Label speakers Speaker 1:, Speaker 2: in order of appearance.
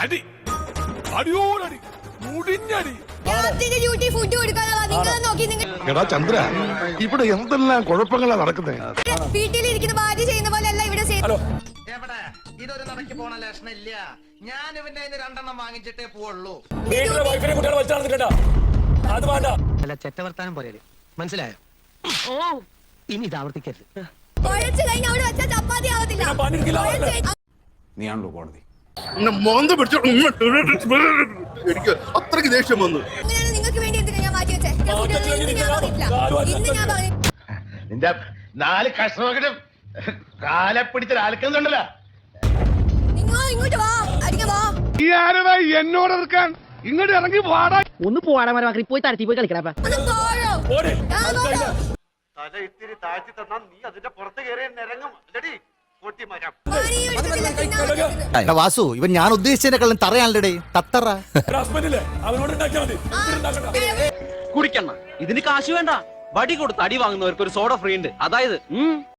Speaker 1: അടി അടിയോടടി മുടിഞ്ഞടി.
Speaker 2: Duty food കൊടുക്കാനാ നിങ്ങൾ നോക്കി. നിങ്ങൾ
Speaker 3: എടാ ചന്ദ്ര, ഇവിടെ എന്തെല്ലാം കുഴപ്പങ്ങളാ നടക്കുന്നത്.
Speaker 2: വീട്ടിലിരിക്കുന്ന ഭാര്യ ചെയ്യുന്ന പോലെ അല്ല ഇവിടെ ചെയ്യുന്നത്.
Speaker 4: എവിടെ ഇതൊരു നടക്കി പോണ ലക്ഷണില്ല. ഞാൻ ഇവന്റെ കയ്യിന്ന് 2 എണ്ണം വാങ്ങിച്ചിട്ടേ പോവുള്ളൂ.
Speaker 5: അല്ല ചെറ്റവർത്താനം പോലെ മനസ്സിലായോ? ഇനി ഇത് ആവർത്തിക്കരുത്.
Speaker 2: കുഴച്ച് കഴിഞ്ഞ് അവിടെ വെച്ചാൽ ചപ്പാത്തി ആവത്തില്ല.
Speaker 1: നീയാണല്ലോ കോടതി.
Speaker 3: എനിക്ക് അത്രയ്ക്ക് ദേഷ്യം വന്നു.
Speaker 2: അങ്ങനെയാണ് നിങ്ങൾക്ക് വേണ്ടി എന്തിനാ ഞാൻ മാറ്റി വെച്ചേ? ഇന്ന് ഞാൻ പറഞ്ഞു
Speaker 3: നിന്റെ 4 കഷ്ണമൊക്കെ കാലെ പിടിച്ച ആൽക്കുന്നുണ്ടല്ലോ.
Speaker 2: നിങ്ങൾ ഇങ്ങോട്ട് വാ, അടിക്കാൻ വാ.
Speaker 3: ഈ ആരടാ എന്നോട് എതിർക്കാൻ? ഇങ്ങോട്ട് ഇറങ്ങി വാടാ.
Speaker 5: ഒന്ന് പോവാടാ മരമാക്കി പോയി തരത്തി പോയി കളിക്കടാ.
Speaker 2: ഒന്ന് പോരോ. ഞാൻ പോരോ.
Speaker 4: തല ഇത്തിരി താഴ്ത്തി തന്നാ നീ അതിന്റെ പുറത്ത് കയറി നിരങ്ങും. പൊട്ടിമരം
Speaker 2: പണി എടുക്കത്തില്ല, തിന്നാൻ പറ്റത്തില്ല.
Speaker 6: വാസു, ഇവൻ ഞാൻ ഉദ്ദേശിച്ചതിനെക്കാളും തറയാണല്ലേ തത്തറ.
Speaker 7: കുടിക്കണ്ണ ഇതിന് കാശ് വേണ്ട. വടി കൊടുത്ത് അടി വാങ്ങുന്നവർക്ക് ഒരു സോഡ ഫ്രീ ഉണ്ട്. അതായത്